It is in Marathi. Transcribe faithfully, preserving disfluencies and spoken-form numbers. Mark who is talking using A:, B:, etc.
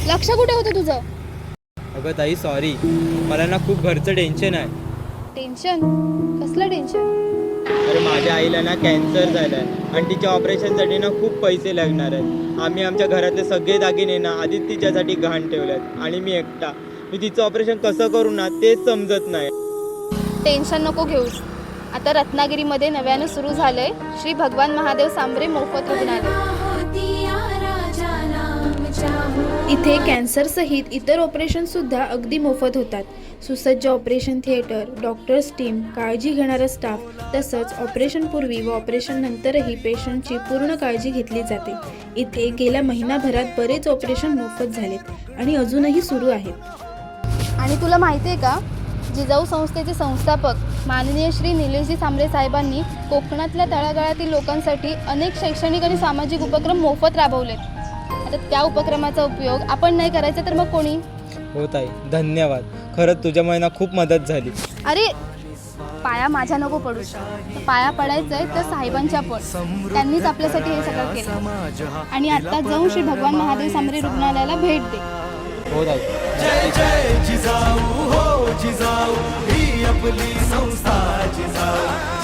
A: लक्ष कुठे होतं तुझं?
B: अगं ताई सॉरी, मला ना खूप घरचं टेन्शन आहे.
A: टेन्शन? कसलं टेन्शन?
B: अरे माझ्या आईला ना कॅन्सर झाला आहे आणि तिच्या ऑपरेशनसाठी ना खूप पैसे लागणार आहेत. आम्ही आमच्या घरातले सगळे दागिने ना आधीच तिच्यासाठी गहाण ठेवले आहेत आणि मी एकटा. मी तिचं ऑपरेशन कसं करू ना तेच समजत नाही.
A: टेन्शन नको घेऊस. आता रत्नागिरीमध्ये नव्यानं सुरू झालंय श्री भगवान महादेव सांबरे मोफत रुग्णालय. इथे कॅन्सरसहित इतर ऑपरेशनसुद्धा अगदी मोफत होतात. सुसज्ज ऑपरेशन थिएटर, डॉक्टर्स टीम, काळजी घेणारा स्टाफ, तसंच ऑपरेशनपूर्वी व ऑपरेशन नंतरही पेशंटची पूर्ण काळजी घेतली जाते. इथे गेल्या महिनाभरात बरेच ऑपरेशन मोफत झालेत आणि अजूनही सुरू आहेत. आणि तुला माहिती आहे का, जिजाऊ संस्थेचे संस्थापक माननीय श्री निलेशजी सांबरे साहेबांनी कोकणातल्या तळागाळातील लोकांसाठी अनेक शैक्षणिक आणि सामाजिक उपक्रम मोफत राबवलेत. आता त्या उपक्रमाचा उपयोग आपण नाही करायचा तर मग कोणी?
B: हो ताई, धन्यवाद. खरंच तुझ्यामुळे ना खूप मदत झाली.
A: अरे पाया माझ्या नको पडू. पाया पडायचंय तर साहेबांच्या पण. त्यांनीच आपल्यासाठी हे सगळं केलं. आणि आता जाऊन श्री भगवान महादेव सांबरे रुग्णालयाला भेट दे.
B: हो ताई.
C: जय जय जिजाऊ हो जिजाऊ ही आपली संस्था जिजाऊ.